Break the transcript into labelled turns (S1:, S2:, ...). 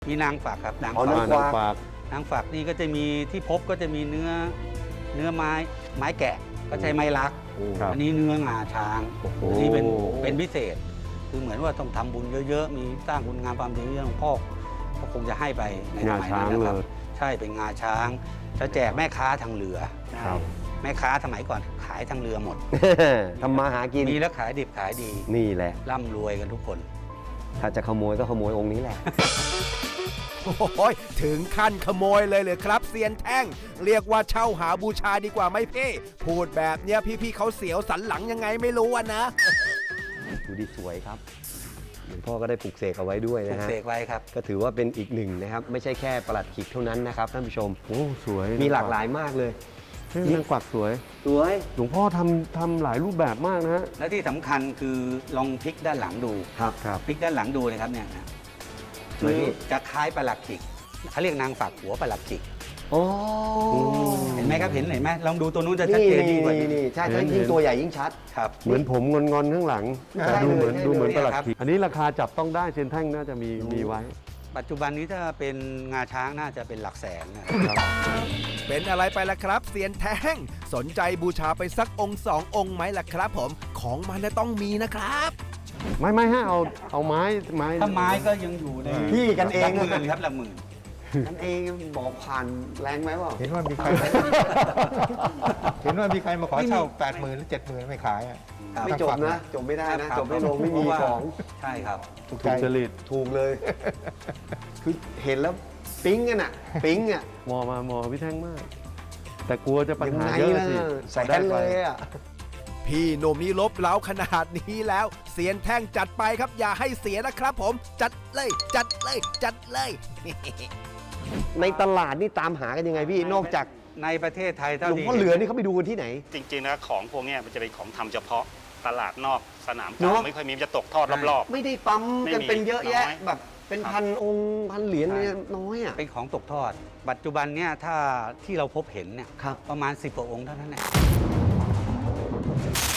S1: มีนางฝักครับนาง
S2: อ๋อ
S1: ฝั
S2: นาง
S1: ก
S2: ฝาก
S1: นางฝักนี่ก็จะมีที่พบก็จะมีเนื้อไม้แกะก็ใช้ไม้ลัก
S2: ครับ
S1: อันนี้เนื้องาช้าง
S2: โอ้โห
S1: อันนี้เป็นพิเศษ คือเหมือนว่าต้องทำบุญเยอะๆมีสร้างคุณงามความดีเยอะหลวงพ่อก็คงจะให้ไปในสมัยนั้นนะครับใช่เป็นงาช้างจะแจกแม่ค้าทางเรือ
S2: ครับ
S1: แม่ค้าสมัยก่อนขายทางเรือหมด
S2: ทำมาหากิน
S1: มีแล้วขายดิบขายดี
S2: นี่แหละ
S1: ร่ำรวยกันทุกคน
S2: ถ้าจะขโมยก็ขโมยองค์นี้แหละ
S3: โอ้ยถึงขั้นขโมยเลยเลยครับเซียนแท่ง เรียกว่าเช่าหาบูชาดีกว่าไหมพี่พูดแบบเนี้ยพี่ๆเขาเสียวสันหลังยังไงไม่รู้อะนะ
S2: ดูดีสวยครับหลวงพ่อก็ได้ปลูกเสกเอาไว้ด้วย
S1: ปลู
S2: นะ
S1: ก
S2: ฮะ
S1: เสกไว้ครับ
S2: ก็ถือว่าเป็นอีกหนึ่งนะครับ ไม่ใช่แค่ประหลัดขิกเท่านั้นนะครับท่านผู้ชม
S4: โอ้สวย
S2: มีหลากหลายมากเลย
S4: นางกวักสวย
S2: สวย
S4: หลวงพ่อทำหลายรูปแบบมากนะฮะ
S1: และที่สำคัญคือลองพลิกด้านหลังดู
S2: ครับครับ
S1: พลิกด้านหลังดูนะครับเนี่ยนะ
S2: สวยพี่
S1: จะคล้ายประหลัดขิกเขาเรียกนางฝักหัวประหลัดขิก
S2: โอ้
S1: เห็นไหมครับเห็นไหมลองดูตัวนู้นจะชัด
S2: นี่
S1: เจนยิ่งกว่า
S2: นี่ใช่ถ้ายิ่งตัวใหญ่ยิ่งชัด
S1: ครับ
S4: เหมือนผมงอนๆข้างหลัง
S2: ใช่
S4: แต่ดูเหมือน
S2: เลย
S4: ดูเหมือน
S1: ใช่
S4: ประห
S1: เลย
S4: ลัด
S1: ครับ
S4: ขีกอันนี้ราคาจับต้องได้เซนแท่งน่าจะมีไว้
S1: ปัจจุบันนี้ถ้าเป็นงาช้างน่าจะเป็นหลักแสนนะครับ
S3: เป็นอะไรไปล่ะครับเซียนแท่ง สนใจบูชาไปสักองค์สององค์ไหมล่ะครับผมของมันน่ะต้องมีนะครับ
S4: ไม่ฮะเอาไม้
S1: ถ้าไม้ก็ยังอยู่ใน
S2: พี่กันเอง
S1: หลักหมื่นครับหลักหมื่น
S2: นั่นเองบอกผ่านแรงไหมวะ
S5: เห็นว่ามีใคร เห็นว่ามีใครมาขอเช่า 80,000 หรือ 70,000 ไม่ขายอ่ะ
S1: ครับ
S2: ไม่จบนะ จบไม่ได้นะ
S1: ครับ
S2: จบไม่ลงไม่มี
S1: เพราะว่า
S2: ของ
S1: ใช่ครับ
S5: ถูก
S4: ถู
S5: ใจ
S4: กจริต
S2: ถูกเลย คือเห็นแล้วปิ๊งกันอ่ะ ปิ๊งอ่ะ
S4: มอพี่แท่งมาก แต่กลัวจะปัญ
S2: ยัง
S4: หา
S2: ไง
S4: เยอะ
S2: ล่ะ
S4: สิ
S2: แสนเลยอ่ะ
S3: พี่หนุ่มนี่ลบเล้าขนาดนี้แล้วเซียนแท่งจัดไปครับอย่าให้เสียนะครับผมจัดเลยจัดเลยจัดเลย
S2: ในตลาดนี่ตามหากันยังไงพี่ นอกจาก
S1: ในประเทศไทย
S2: ห
S1: เท่า
S2: ลวง
S1: ที่
S2: พ่อเหลือนี่เขาไปดูกันที่ไหน
S6: จริงๆนะของพวกเนี้ยมันจะเป็นของทำเฉพาะตลาดนอกสนาม
S2: เน
S6: เก่า
S2: อะ
S6: ไม่ค่อยมีมันจะตกทอดรอบ
S2: ไม่ได้ปั๊มกัน
S6: ไม่มี
S2: เป็นเยอะแยะ
S6: น้อย
S2: แบบเป็นพันองค์พันเหรียญเนี่ยน้อยอ่ะ
S1: เป็นของตกทอด ปัจจุบันเนี่ยถ้าที่เราพบเห็นเนี่ย
S2: ครับ
S1: ประมาณ10กว่าองค์เท่านั้นแหละ